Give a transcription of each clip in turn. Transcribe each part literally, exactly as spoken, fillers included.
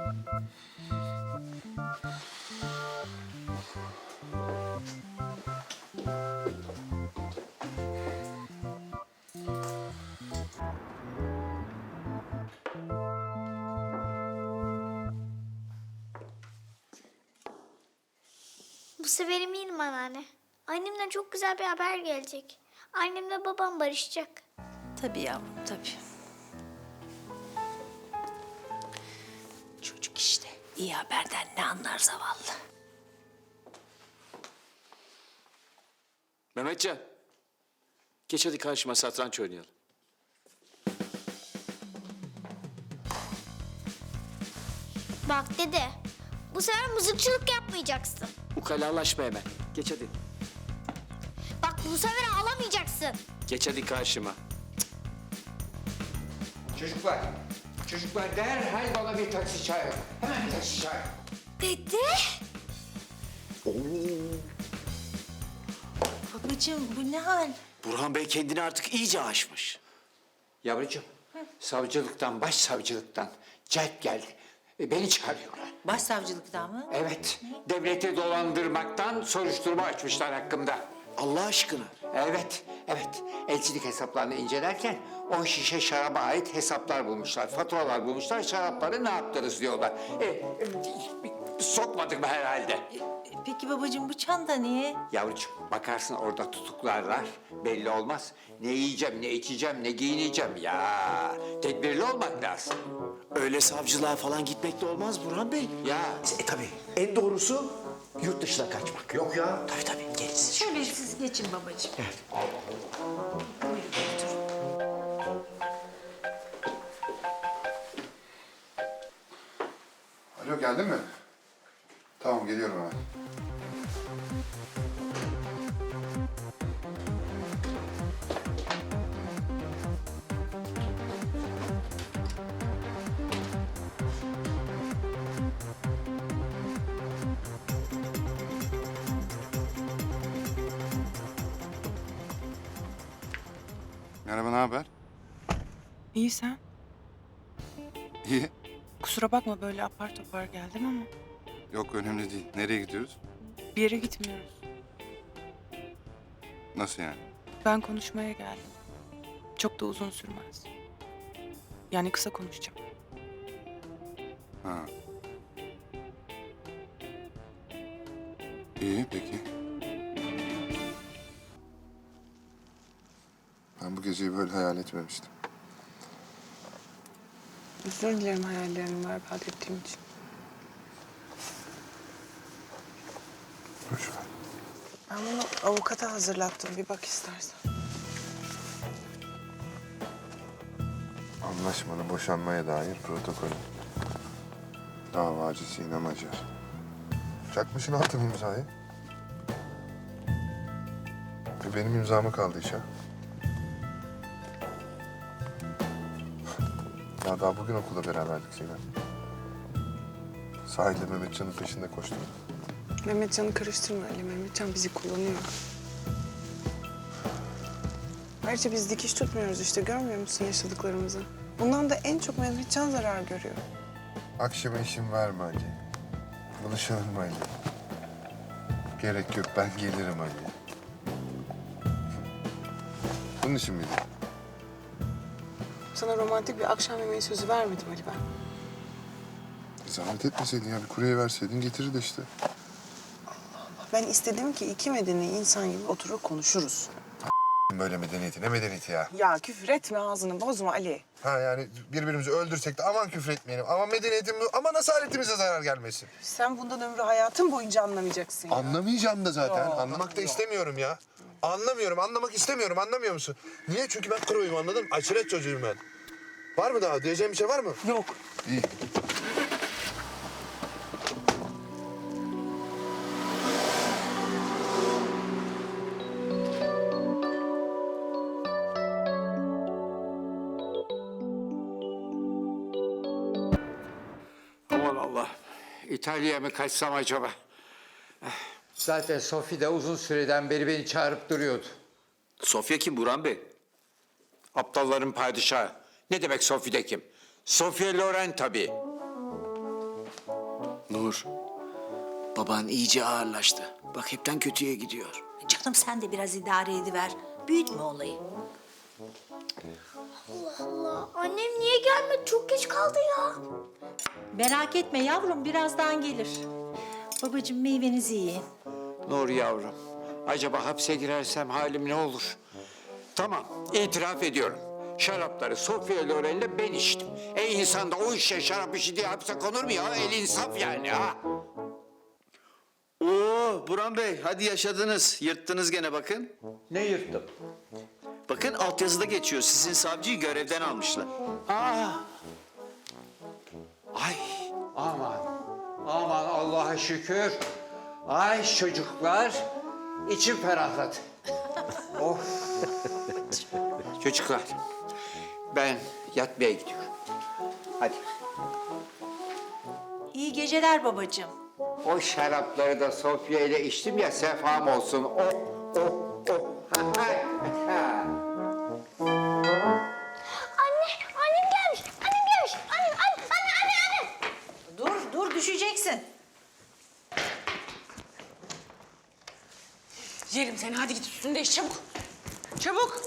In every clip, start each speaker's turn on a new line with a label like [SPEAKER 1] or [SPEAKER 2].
[SPEAKER 1] Bu sefer eminim anneanne. Annemden çok güzel bir haber gelecek. Annemle babam barışacak.
[SPEAKER 2] Tabii yavrum, tabii. Çocuk işte. İyi haberden ne anlar zavallı.
[SPEAKER 3] Mehmetcan. Geç hadi karşıma satranç oynayalım.
[SPEAKER 1] Bak dede, bu sefer mızıkçılık yapmayacaksın.
[SPEAKER 3] Ukalalaşma hemen. Geç hadi.
[SPEAKER 1] Bak bu sefer ağlamayacaksın.
[SPEAKER 3] Geç hadi karşıma.
[SPEAKER 4] Çocuklar, çocuklar derhal bana bir taksi çağırın. Hemen bir taksi çağırın.
[SPEAKER 1] Dede?
[SPEAKER 2] Babacığım bu ne hal?
[SPEAKER 3] Burhan Bey kendini artık iyice aşmış.
[SPEAKER 4] Yavrucuğum, savcılıktan, başsavcılıktan celp geldi. E, Beni çağırıyorlar.
[SPEAKER 2] Başsavcılıktan mı?
[SPEAKER 4] Evet, devleti dolandırmaktan soruşturma açmışlar hakkımda.
[SPEAKER 3] Allah aşkına.
[SPEAKER 4] Evet, evet. Elçilik hesaplarını incelerken o şişe şaraba ait hesaplar bulmuşlar, faturalar bulmuşlar, şarapları ne yaptınız diyorlar. E, e, sokmadık mı herhalde?
[SPEAKER 2] E, Peki babacığım bu çanta niye?
[SPEAKER 4] Yavrucuğum bakarsın orada tutuklarlar, belli olmaz. Ne yiyeceğim, ne içeceğim, ne giyineceğim ya. Tedbirli olmak lazım.
[SPEAKER 3] Öyle savcılığa falan gitmek de olmaz Burhan Bey.
[SPEAKER 4] Ya
[SPEAKER 5] E tabii en doğrusu yurt dışına kaçmak. Yok ya.
[SPEAKER 3] Tabii tabii gerisi.
[SPEAKER 2] Şöyle siz geçin babacığım. Buyurun oturun.
[SPEAKER 6] Alo geldin mi? Tamam geliyorum hemen. Merhaba, ne haber?
[SPEAKER 7] İyi sen.
[SPEAKER 6] İyi.
[SPEAKER 7] Kusura bakma böyle apar topar geldim ama
[SPEAKER 6] Yok önemli değil. Nereye gidiyoruz?
[SPEAKER 7] bir yere gitmiyoruz.
[SPEAKER 6] Nasıl yani?
[SPEAKER 7] Ben konuşmaya geldim. Çok da uzun sürmez. Yani kısa konuşacağım.
[SPEAKER 6] Ha. İyi peki. Ben bu geceyi böyle hayal etmemiştim.
[SPEAKER 7] Özür dilerim hayallerimi berbat ettiğim için.
[SPEAKER 6] Boş ver.
[SPEAKER 7] Ben bunu avukata hazırlattım. Bir bak istersen.
[SPEAKER 6] Anlaşmalı boşanmaya dair protokolü. Davacı Sinem Acar. Çakmışın altın imzayı. Ve benim imzama kaldı iş ha. Ya daha bugün okulda beraberdik Sinem. Sahilde Mehmetcan'ın peşinde koştum.
[SPEAKER 8] Mehmetcan'ı karıştırma Ali. Mehmetcan bizi kullanıyor. Ayrıca biz dikiş tutmuyoruz işte. Görmüyor musun yaşadıklarımızı? Bundan da en çok Mehmetcan zarar görüyor.
[SPEAKER 6] Akşama işim var mı Ali? Buluşalım Ali. Gerek yok, ben gelirim Ali. Bunun için miydi?
[SPEAKER 8] Sana romantik bir akşam yemeği sözü vermedim Ali ben.
[SPEAKER 6] Zahmet etmeseydin ya, bir kurye verseydin getirirdi işte.
[SPEAKER 8] Ben istedim ki iki medeni insan gibi oturur konuşuruz.
[SPEAKER 6] Böyle medeniyeti, ne medeniyeti ya?
[SPEAKER 8] Ya küfür etme, ağzını bozma Ali.
[SPEAKER 6] Ha yani birbirimizi öldürsek de aman küfür etmeyelim. Ama medeniyetimiz, aman asaletimize zarar gelmesin.
[SPEAKER 8] Sen bundan ömrü hayatın boyunca anlamayacaksın ya.
[SPEAKER 6] Anlamayacağım da zaten.
[SPEAKER 8] Ya,
[SPEAKER 6] Anlamak da
[SPEAKER 8] ya.
[SPEAKER 6] istemiyorum ya. Anlamıyorum, anlamak istemiyorum. Anlamıyor musun? Niye? Çünkü ben kroyum, anladın mı? Aşiret çocuğuyum ben. Var mı daha? Diyeceğim bir şey var mı?
[SPEAKER 8] Yok.
[SPEAKER 6] İyi.
[SPEAKER 4] aman Allah. İtalya'ya mı kaçsam acaba? Zaten Sofi de uzun süreden beri beni çağırıp duruyordu.
[SPEAKER 3] Sofya kim Burhan Bey?
[SPEAKER 4] Aptalların padişahı. Ne demek Sofi de kim? Sofia Loren tabii.
[SPEAKER 3] Nur, baban iyice ağırlaştı. Bak hepten kötüye gidiyor.
[SPEAKER 2] Canım sen de biraz idare ediver. Büyütme olayı.
[SPEAKER 1] Allah Allah. Annem niye gelmedi? Çok geç kaldı ya.
[SPEAKER 2] Merak etme yavrum, birazdan gelir. Babacığım meyvenizi yiyin.
[SPEAKER 4] Nur yavrum, acaba hapse girersem halim ne olur? Tamam, itiraf ediyorum. Şarapları Sofya Loren'le ben içtim. E insan da o işe şarap işi diye hapse konur mu ya? El insaf yani ha.
[SPEAKER 9] Oo Burhan Bey hadi yaşadınız. Yırttınız gene bakın.
[SPEAKER 4] Ne yırttım?
[SPEAKER 9] Bakın altyazıda geçiyor. Sizin savcıyı görevden almışlar.
[SPEAKER 4] Aa! Ay aman, aman Allah'a şükür. Ay çocuklar, içim ferahladı. Of. Çocuklar, ben yatmaya gidiyorum. Hadi.
[SPEAKER 2] İyi geceler babacığım.
[SPEAKER 4] O şarapları da Sofya ile içtim ya sefam olsun. Oh, oh, oh.
[SPEAKER 1] Anne, annem gelmiş. Annem gelmiş. Annem, anne, anne, anne, anne.
[SPEAKER 2] Dur, dur düşeceksin.
[SPEAKER 7] Yerim seni, hadi git üstünü değiş çabuk. Çabuk.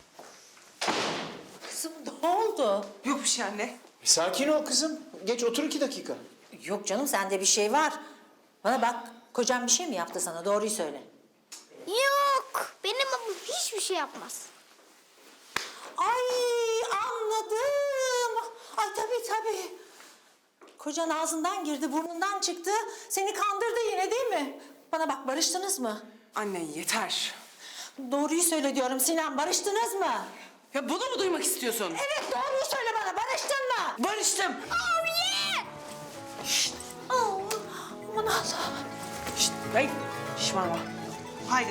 [SPEAKER 2] Kızım ne oldu?
[SPEAKER 7] Yok bir şey anne.
[SPEAKER 3] Sakin ol kızım. Geç otur iki dakika.
[SPEAKER 2] Yok canım sende bir şey var. Bana bak, kocan bir şey mi yaptı sana? Doğruyu söyle.
[SPEAKER 1] Yok. Benim babam hiçbir şey yapmaz.
[SPEAKER 2] Ay anladım. Ay tabii tabii. Kocan ağzından girdi, burnundan çıktı. Seni kandırdı yine değil mi? Bana bak, barıştınız mı?
[SPEAKER 7] Anne yeter.
[SPEAKER 2] Doğruyu söyle diyorum Sinan, barıştınız mı?
[SPEAKER 7] Ya bunu mu duymak istiyorsun?
[SPEAKER 2] Evet, doğruyu söyle bana, barıştın mı?
[SPEAKER 7] Barıştım.
[SPEAKER 2] Oh yeah! Şşt! Oh, aman Allah'ım.
[SPEAKER 7] Şşt, hey, şişmanma. Haydi.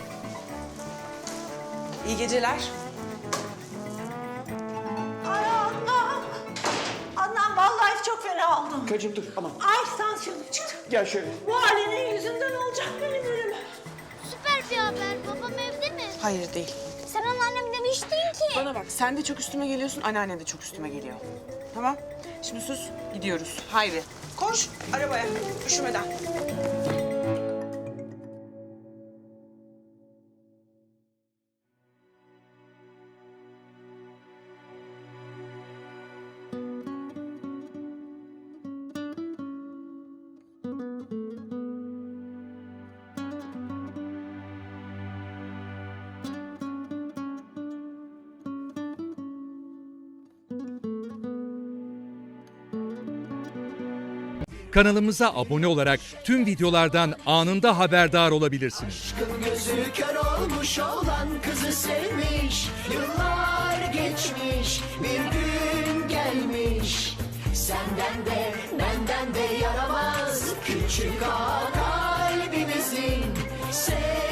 [SPEAKER 7] İyi geceler.
[SPEAKER 2] Ay Allah'ım. Anam vallahi çok fena oldum.
[SPEAKER 5] Karıcığım dur aman.
[SPEAKER 2] Ay tansiyonum çıktı.
[SPEAKER 5] Gel şöyle.
[SPEAKER 2] Bu halinin yüzünden olacak benim ölüm.
[SPEAKER 1] Süper bir haber. Babam evde mi?
[SPEAKER 7] Hayır değil.
[SPEAKER 1] Sen anneannem demiştin ki.
[SPEAKER 7] Bana bak, sen de çok üstüme geliyorsun, anneannen de çok üstüme geliyor. Tamam? Şimdi sus, gidiyoruz. Haydi. Koş, arabaya, üşümeden.
[SPEAKER 10] Kanalımıza abone olarak tüm videolardan anında haberdar olabilirsiniz.
[SPEAKER 11] Gözü kör olmuş olan kızı sevmiş. Yıllar geçmiş, bir gün gelmiş. Senden de benden de yaramaz küçük ağa kalbimizin. Sev